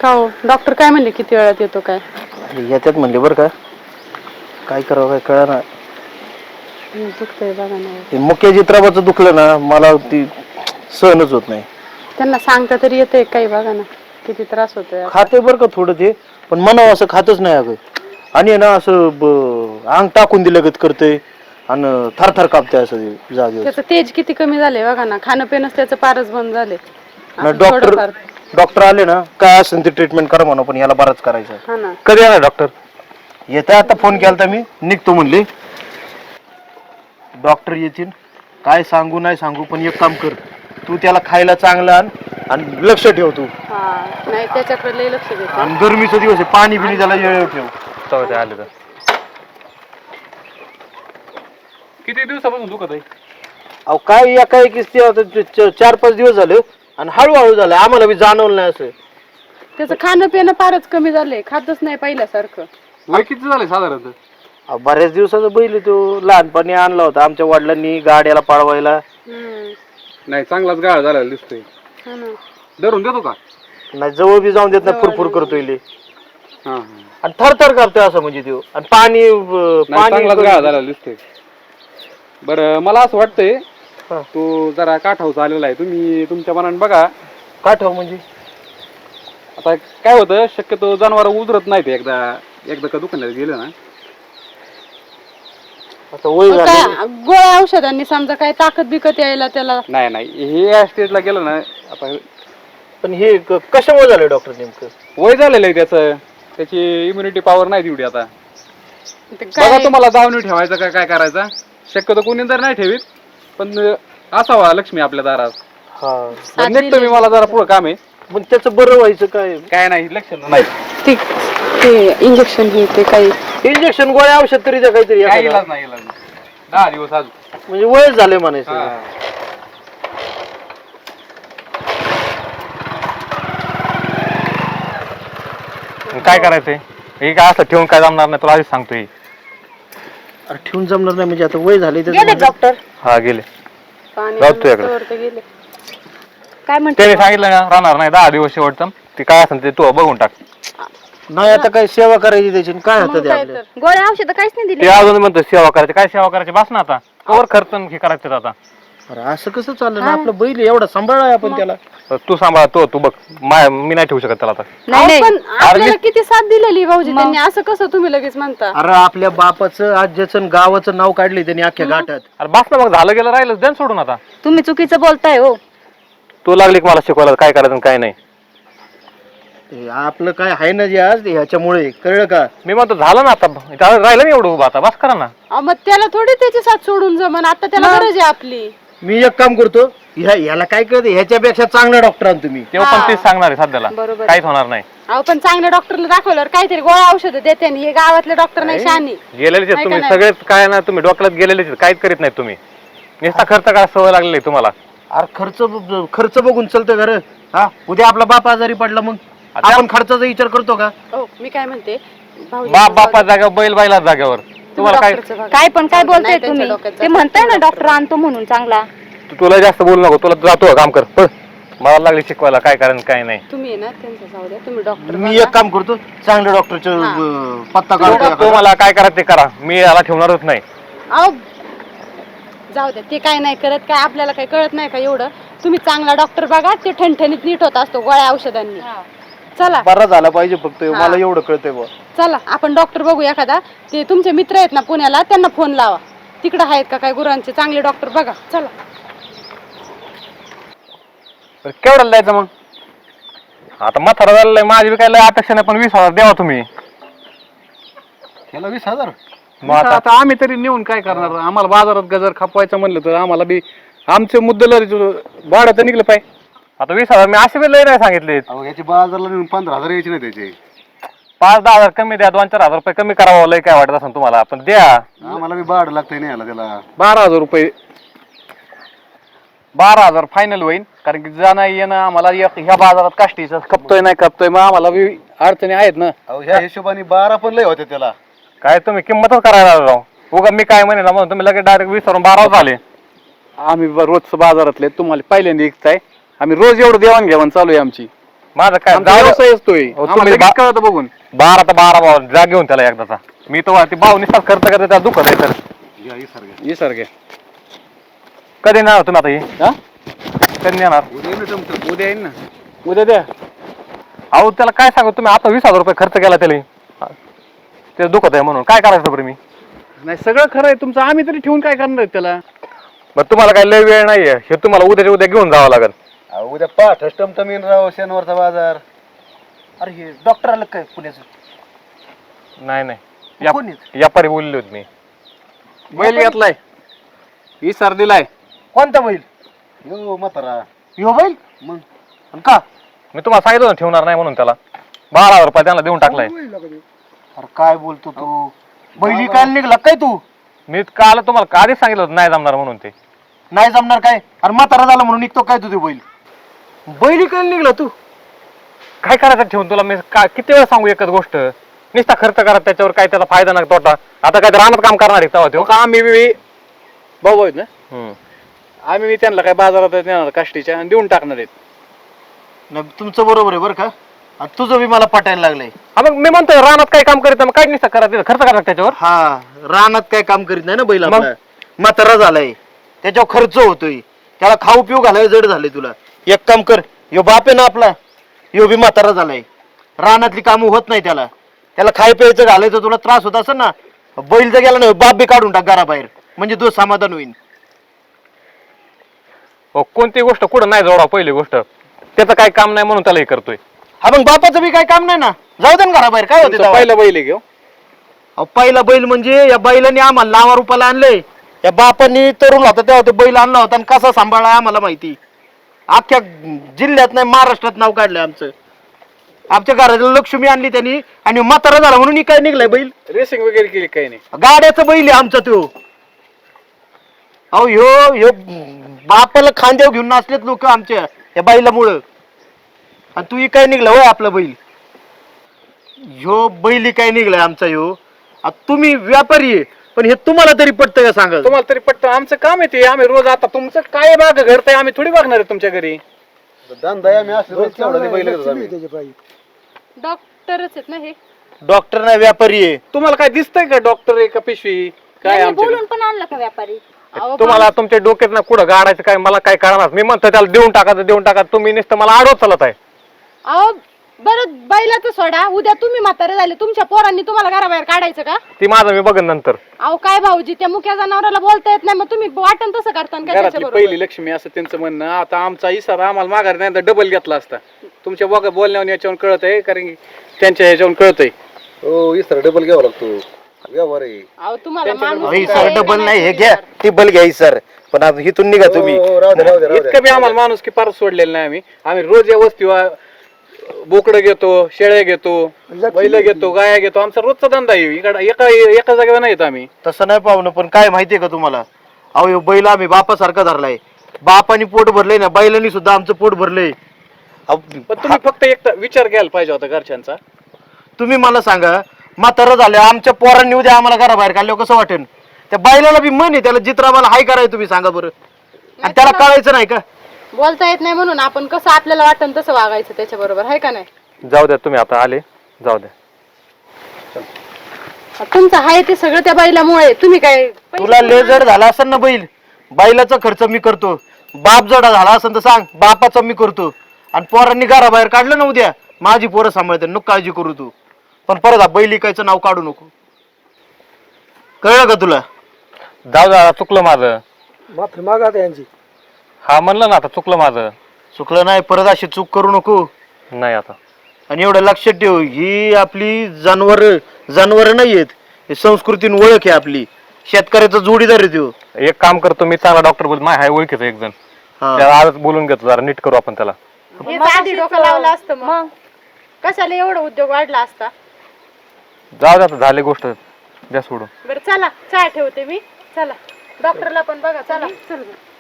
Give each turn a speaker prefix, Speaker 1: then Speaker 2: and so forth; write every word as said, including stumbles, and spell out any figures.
Speaker 1: का हो डॉक्टर काय म्हणले किती वेळात येतो काय?
Speaker 2: येतात म्हणले बरं का, काय करावं काय कळना.
Speaker 1: दुखतंय बघा ना.
Speaker 2: ते मुख्य चित्राबाचं दुखलं ना मला ती सहनच होत नाही.
Speaker 1: त्यांना सांगता तरी येते काही बघा ना किती त्रास होतोय.
Speaker 2: खाते बरं का थोडं ते, पण मनाव असं खातच नाही अगं. आणि ना असं अंग टाकून दिलं गत करतंय आणि थरथर कापते असं जागेवर.
Speaker 1: त्याचं तेज किती कमी झाले बघा ना, खाणं पिणंच त्याचं पारच बंद झाले.
Speaker 2: डॉक्टर डॉक्टर आले ना काय असेल ते ट्रीटमेंट करा म्हणून, पण याला बराच करायचं.
Speaker 1: हा ना.
Speaker 2: कधी आला डॉक्टर? येते आता, फोन केलता मी, निघतो म्हणले. डॉक्टर येतील काय सांगू नाही सांगू, पण एक काम कर, तू त्याला खायला चांगलं आण आणि लक्ष ठेव तू.
Speaker 1: नाही त्याच्याकडे लय लक्ष दे.
Speaker 2: आणि गरमीचा दिवस आहे, पाणी बिणी त्याला वेळ ठेव.
Speaker 3: ते आले तर किती दिवसापासून दुखत आहे?
Speaker 2: अहो काय एका एक चार पाच दिवस झाले आणि हळूहळू झालं, आम्हाला बी जाणवलं नाही असं.
Speaker 1: त्याचं खाणं पिणं फारच कमी झालंय, खातच नाही पहिल्यासारखं.
Speaker 3: वय किती झालंय साधारणतः?
Speaker 2: बऱ्याच दिवसाचा बैल तो लहानपणी आणला होता आमच्या वडिलांनी गाड्याला पळवायला.
Speaker 3: नाही चांगलाच गाळ झालेला दिसतोय. धरून देतो का?
Speaker 2: नाही जवळ बी जाऊन देत नाही, फुरफुर करतोय लय.
Speaker 3: हा
Speaker 2: आणि थरथर करतोय असं म्हणजे तो. आणि पाणी
Speaker 3: चांगलाच गाळ झालेला दिसतोय. बरं मला असं वाटतंय तो जरा काठावचा आलेला आहे, तुम्ही तुमच्या मनाने बघा.
Speaker 2: काठाव म्हणजे
Speaker 3: आता काय होतं, शक्यतो जनावर उतरत नाहीत एकदा एकदा का दुकानात गेलं ना.
Speaker 2: आता वय झालं.
Speaker 1: गोळ्या औषधांनी समजा काय ताकद बिकत यायला त्याला.
Speaker 3: नाही नाही हे या स्टेजला गेलं ना आता.
Speaker 2: पण हे कशामुळे झालं डॉक्टर नेमकं?
Speaker 3: वय झालेलं आहे त्याचं, त्याची इम्युनिटी पॉवर नाही तेवढी आता. बघा तुम्हाला दावणी ठेवायचं काय काय करायचा. शक्यतो कोणी तर नाही ठेवीत, पण असावा लक्ष्मी आपल्या दारात.
Speaker 2: हा
Speaker 3: निघतो मी, मला जरा पुढं काम आहे.
Speaker 2: पण त्याचं बरं व्हायचं काय?
Speaker 3: काय नाही लक्षण नाही.
Speaker 1: ठीक ते इंजेक्शन हे ते काही
Speaker 2: इंजेक्शन गोळ्या औषध तरी द्या काहीतरी.
Speaker 3: काय इलाज नाही इलाज नाही. दहा दिवस अजून
Speaker 2: म्हणजे वय झाले म्हणायचं.
Speaker 3: काय करायचंय? हे काय असं ठेवून काय जमणार नाही, तुला आधीच सांगतोय.
Speaker 2: अरे ठेवून जमणार नाही म्हणजे आता वय झाले
Speaker 4: डॉक्टर.
Speaker 3: हा गेले.
Speaker 1: गेले.
Speaker 4: काय म्हणते?
Speaker 3: त्याने सांगितलं ना राहणार नाही दहा दिवस शेवटचं. ते काय असेल ते तू बघून टाक.
Speaker 2: नाही आता काय सेवा करायची त्याची, काय होतं ते आपल्या.
Speaker 4: गोळ्या औषध काहीच नाही
Speaker 3: ते
Speaker 4: दिली.
Speaker 3: अजून म्हणतो सेवा करायची. काय सेवा करायची बस ना आता. कवर खर्च हे करायचं आता.
Speaker 2: अरे असं कसं चाललं ना, आपलं बैल एवढा सांभाळाय आपण त्याला.
Speaker 3: तू सांभाळ तो तू बघ. माय मी नाही ठेवू शकत त्याला आता.
Speaker 1: नाही पण आपल्याला किती साथ दिलेली भाऊजी त्यांनी, असं कसं तुम्ही लगेच म्हणता?
Speaker 2: अरे आपल्या बापाचं आज्याचं गावाचं नाव काढले त्यांनी अख्ख्या घाटात.
Speaker 3: अरे बस ना मग, झालं गेलं राहिलं देन सोडून आता.
Speaker 4: तुम्ही चुकीचं बोलताय हो.
Speaker 3: तू लागली की मला शिकवायला काय करायचं काय नाही.
Speaker 2: हे आपलं काय आहे ना जे आज ह्याच्यामुळे कळलं का?
Speaker 3: मी म्हणतो झालं ना आता, राहिलं नाही एवढं उभं आता, बस करा ना.
Speaker 1: अहो, मग त्याला थोडी त्याची साथ सोडून जमन, आता त्याला गरज आहे आपली.
Speaker 2: मी एक काम करतो, ह्या ह्याला काय कळतं, ह्याच्यापेक्षा चांगला डॉक्टर आण तुम्ही.
Speaker 3: तेव्हा पण तेच सांगणार आहे सध्याला,
Speaker 1: बरोबर.
Speaker 3: काहीच होणार नाही.
Speaker 1: अहो पण चांगल्या डॉक्टरला दाखवल्यावर काहीतरी गोळ्या औषध देते. हे गावातले डॉक्टर नाही शहाणी.
Speaker 3: गेलेलेच आहेत तुम्ही सगळेच, काय ना तुम्ही डॉक्टरात गेलेलेच आहेत, काहीच करीत नाही तुम्ही. नुसता खर्च काय सवय लागलेली आहे तुम्हाला.
Speaker 2: अरे खर्च खर्च बघून चलतं घर. हा उद्या आपला बाप आजारी पडला मग आपण खर्चाचा विचार करतो का?
Speaker 1: हो मी काय म्हणते,
Speaker 3: बाप बापा जागेवर बैल बैला जागेवर तुम्हाला काय
Speaker 4: काय पण काय बोलताय तुम्ही? ते म्हणताय ना डॉक्टर आणतो म्हणून चांगला.
Speaker 3: तुला जास्त बोलू नको, तुला जातो काम कर. मला लागली शिकवायला काय करायचं काय नाही.
Speaker 1: तुम्ही ना त्यांचं जाऊ द्या, तुम्ही डॉक्टर.
Speaker 2: मी एक काम करतो, चांगल्या डॉक्टरचं पत्ता काढतो.
Speaker 3: तो मला काय करायचं ते करा, मी याला ठेवणारच नाही.
Speaker 1: अहो जाऊ द्या, ते काय नाही करत, काय आपल्याला काही कळत नाही का एवढं. तुम्ही चांगला डॉक्टर बघा, ते ठणठणीत नीट होत असतो गोळ्या औषधांनी. चला
Speaker 2: बरा झाला पाहिजे फक्त, मला एवढं कळतंय बा.
Speaker 1: चला आपण डॉक्टर बघू एखादा. ते तुमचे मित्र आहेत ना पुण्याला, त्यांना फोन लावा, तिकडे आहेत का काय गुरांचे चांगले डॉक्टर बघा. चला
Speaker 3: केवढ्याला द्यायचं मग? आता म्हातारा झालेलं माझी बी काय लय अपेक्षा नाही, पण वीस हजार द्यावा तुम्ही.
Speaker 2: त्याला वीस हजार
Speaker 3: मग आता आम्ही तरी नेऊन काय करणार? आम्हाला बाजारात गजर खपवायचं म्हणलं तर आम्हाला बी आमचे मुद्दल भाडं तर निघलं पाहिजे. आता वीस हजार मी असे बी लय नाही सांगितले.
Speaker 2: याची बाजारला नेऊन पंधरा हजार यायची नाही त्याची.
Speaker 3: पाच दहा हजार कमी द्या, दोन चार हजार रुपये कमी करावं, लय काय वाटत असेल तुम्हाला, पण द्या.
Speaker 2: आम्हाला बी भाडं लागतंय नाही याला त्याला.
Speaker 3: बारा हजार रुपये बारा हजार फायनल होईल, कारण की जाणं येणं आम्हाला ह्या बाजारात काष्टीचं खपतोय नाही खपतोय, मग आम्हाला बी अडचणी आहेत ना.
Speaker 2: ह्या हिशोबाने बारा पण लय होते त्याला.
Speaker 3: काय तुम्ही किंमतच करायला राव. उगा मी काय म्हणेन म्हणून तुम्ही लगेच डायरेक्ट वीस वरून बारावर झाले. आम्ही रोज बाजारातले तुम्हाला पहिल्यांदा विकताय, आम्ही रोज एवढं देवाण घेवाण चालू आहे आमची.
Speaker 5: माझं काय
Speaker 3: आमचा
Speaker 5: जाऊ द्या.
Speaker 3: व्यवसाय असतोय
Speaker 5: अहो,
Speaker 3: आम्हाला
Speaker 5: तुम्ही
Speaker 3: लगेच
Speaker 5: बा-
Speaker 3: कळतं बघून.
Speaker 5: बारा तर बारा भाव जा घेऊन त्याला एकदाचा. मी तो ती भाऊ निसाच खर्च करते त्याला दुखत आहे तर
Speaker 3: ये सारखे
Speaker 5: कधी येणार तुम्ही आता हे
Speaker 3: हा
Speaker 5: कधी येणार
Speaker 3: उद्या येईन तुमचं उद्या येईन ना उद्या द्या.
Speaker 5: अहो त्याला काय सांगू तुम्ही आता वीस हजार रुपये खर्च केला त्याला ते दुखत आहे म्हणून काय करायचं बरं मी.
Speaker 3: नाही सगळं खरं आहे तुमचं आम्ही तरी ठेवून काय करणार आहे त्याला.
Speaker 5: बरं तुम्हाला काय लय वेळ नाहीये हे तुम्हाला उद्याच्या उद्या घेऊन जावं लागेल.
Speaker 2: उद्या पाठ टमटमीन राव शनिवारचा बाजार. अरे हे डॉक्टर आलं काय पुण्याचं?
Speaker 5: नाही नाही या-
Speaker 2: कोण आहेत?
Speaker 5: व्यापारी बोलले होते मी.
Speaker 3: बैल घेतलाय इसार दिलाय.
Speaker 2: कोणता बैल? यो म्हातारा यो बैल मग आणि का?
Speaker 5: मी तुम्हाला सांगितलं ना ठेवणार नाही म्हणून त्याला बारा हजार रुपये त्यांना देऊन टाकलाय.
Speaker 2: अरे काय बोलतो तू? बैली काय निघला काय तू?
Speaker 5: मी काल तुम्हाला आधीच सांगितलं होतं नाही जमणार म्हणून ते.
Speaker 2: नाही जमणार काय? अरे म्हातारा झाला म्हणून निघतो काय तू ते बैल? बैली काय निघला तू?
Speaker 5: काय करायचं ठेवून तुला मी का किती वेळा सांगू एकच गोष्ट नुसता खर्च करा त्याच्यावर काय त्याचा फायदा नाही तोटा. आता काय रानात काम करणार आहे तेव्हा
Speaker 3: हो
Speaker 5: तो
Speaker 3: का आम्ही बी भाऊ भाऊ आहेत ना
Speaker 5: हम्म.
Speaker 3: आम्ही बी त्यांना काय बाजारात नेणार काष्टीच्या आणि देऊन टाकणार आहेत.
Speaker 2: नाही, तुमचं बरोबर आहे बरं का. आणि तुझं बी मला पटायला लागलंय.
Speaker 5: हा मग मी म्हणतोय रानात काय काम करीत मग काय नुसतं करा तिथं खर्च करा त्याच्यावर.
Speaker 2: हा रानात काय काम करीत नाही ना बैल
Speaker 5: मग?
Speaker 2: आपला. म्हातारा झालाय त्याच्यावर खर्च होतोय. त्याला खाऊ पिऊ घालाय जड झालंय तुला. एक काम कर, यो बाप आहे ना आपला यो बी म्हातारा झालाय. रानातली कामं होत नाही त्याला. त्याला खाय प्यायचं घालायचं तुला त्रास होत असेल ना बैल जर गेला ना बाप बी काढून टाक घराबाहेर म्हणजे तो समाधान होईल.
Speaker 5: हो, कोणती गोष्ट कुठं नाही जोडा पहिली गोष्ट त्याचं काय काम नाही म्हणून त्याला हे करतोय.
Speaker 2: हा मग बापाचं बी काय काम नाही ना जाऊ दे ना घराबाहेर काय होते
Speaker 3: तुमचा पहिला बैल आहे घेऊ
Speaker 2: अहो, पहिला बैल म्हणजे या बैलाने आम्हाला लावा रुपयाला आणलंय. या बापांनी तरुण होता तेव्हा ते बैल आणला होता आणि कसा सांभाळला आम्हाला माहिती. अख्ख्या जिल्ह्यात नाही महाराष्ट्रात नाव काढलंय आमचं. आमच्या घराला लक्ष्मी आणली त्यांनी आणि म्हातारा झाला म्हणून ही काय निघलाय बैल.
Speaker 3: रेसिंग वगैरे केली काही नाही.
Speaker 2: गाड्याचं बैल आहे आमचा तो. अहो ह्यो ह्यो बापाला खांद्यावर घेऊन नाचलेत लोक आमच्या या बैलामुळं आणि तू ही काय निघला होय आपला बैल. ह्यो बैल ही काय निघलाय आमचा ह्यो. आता तुम्ही व्यापारी आहे पण हे तुम्हाला तरी पटतं का सांगा.
Speaker 3: तुम्हाला तरी पटतं आमचं काम आहे ते. आम्ही रोज आता तुमचं काय बाग घडतंय आम्ही थोडी बघणार आहे तुमच्या घरी.
Speaker 1: डॉक्टरच आहेत ना हे.
Speaker 2: डॉक्टर नाही व्यापारी आहे.
Speaker 3: तुम्हाला काय दिसतंय का डॉक्टर आहे का पिशवी काय
Speaker 4: यांनी
Speaker 3: आमच्या
Speaker 4: बोलून पण आणलं का व्यापारी?
Speaker 1: अहो,
Speaker 5: तुम्हाला तुमच्या डोक्यात ना कुठं गाडायचं काय मला काय कळणार. मी म्हणतो त्याला देऊन टाकायचं देऊन टाका तुम्ही नुसतं मला आडवत चालत आहे.
Speaker 1: अहो बरं बैलाचं सोडा उद्या तुम्ही म्हातारे झाले तुमच्या पोरांनी तुम्हाला घराबाहेर काढायचं का?
Speaker 5: ती माझं मी बघन नंतर.
Speaker 1: अहो काय भाऊजी त्या मुक्या जनावराला बोलता येत नाही मग तुम्ही वाटण तसं करता का
Speaker 3: घरातली
Speaker 1: त्याच्याबरोबर?
Speaker 3: पहिली लक्ष्मी असं त्यांचं म्हणणं. आता आमचा इसारा आम्हाला माघार नाही तर डबल घेतला असता. तुमच्या बघा बोलण्यावर याच्यावर कळत आहे कारण की त्यांच्या ह्याच्यावर कळत आहे.
Speaker 6: हो इसर डबल घ्यावा लागतो व्यवहार आहे.
Speaker 1: अहो तुम्हाला माणूस
Speaker 2: अहो, ही
Speaker 1: काय
Speaker 2: सर
Speaker 1: आहे का
Speaker 2: डबल नाही हे
Speaker 1: नाही
Speaker 2: घ्या टिबल घ्या ही सर. पण आता इथून निघा तुम्ही.
Speaker 6: हो, हो, राहू दे, राहू दे, राहू दे.
Speaker 3: इतकं बी आम्हाला माणूस की फार सोडलेलं नाही आम्ही. आम्ही रोज या वस्तीवर बोकडं घेतो शेळ्या घेतो बैल घेतो गाया घेतो. आमचा रोजचा धंदा आहे. इकडे एका एका जागेवर नाही येत आम्ही.
Speaker 2: तसं नाही पाहुणं पण काय माहितीये का तुम्हाला. अहो ह्यो बैल आम्ही बापासारखा धरलाय. बापानी पोट भरलंय ना बैलांनी सुद्धा आमचं पोट भरलंय. अहो,
Speaker 3: पण तुम्ही फक्त एक विचार घ्यायला पाहिजे होता घरच्यांचा.
Speaker 2: तुम्ही मला सांगा म्हातारं झालं आमच्या पोरांनी उद्या आम्हाला घराबाहेर काढल्यावर कसं वाटेल. त्या बैलाला बी मन आहे त्याला जित्राबाला हाय करायचं तुम्ही सांगा बरं. आणि त्याला कळायचं नाही का.
Speaker 1: बोलता येत नाही म्हणून आपण कसं आपल्याला वाटण तसं वागायचं त्याच्या बरोबर आहे का नाही.
Speaker 5: जाऊ द्या तुम्ही आता आले जाऊ द्या.
Speaker 1: तुमचं आहे ते सगळं त्या बैलामुळे तुम्ही काय
Speaker 2: तुला लय जड झाला असेल ना बैल बैलाचा खर्च मी करतो. बाप जडा झाला असेल तर सांग बापाचा मी करतो. आणि पोरांनी घराबाहेर काढलं ना उद्या माझी पोरं सांभाळते नको काळजी करू तू. पण परत हा बैल इकायचं नाव काढू नको. कळलं का तुला.
Speaker 5: जाऊ द्या चुकलं माझं.
Speaker 6: माफी मागा आता यांची.
Speaker 5: हा म्हणलं ना आता चुकलं माझं.
Speaker 2: चुकलं नाही परत अशी चूक करू नको.
Speaker 5: नाही आता.
Speaker 2: आणि एवढं लक्षात ठेव ही आपली जनावर जनावर नाही आहेत. ही संस्कृतीन ओळख आहे आपली. शेतकऱ्याचा जोडीदार आहे तो.
Speaker 5: एक काम करतो मी चांगला डॉक्टर बोल माय हाय ओळखीचं एक जण
Speaker 2: हा.
Speaker 5: त्याला आजच बोलून घेतो जरा नीट करू आपण त्याला.
Speaker 1: हेच आधी डोकं लावलं असतं मग कशाला एवढा उद्योग वाढला असता.
Speaker 5: जाऊ द्या आता झाली गोष्ट द्या सोडून.
Speaker 1: बरं चला चहा ठेवते मी. चला डॉक्टरला पण बघा चला चल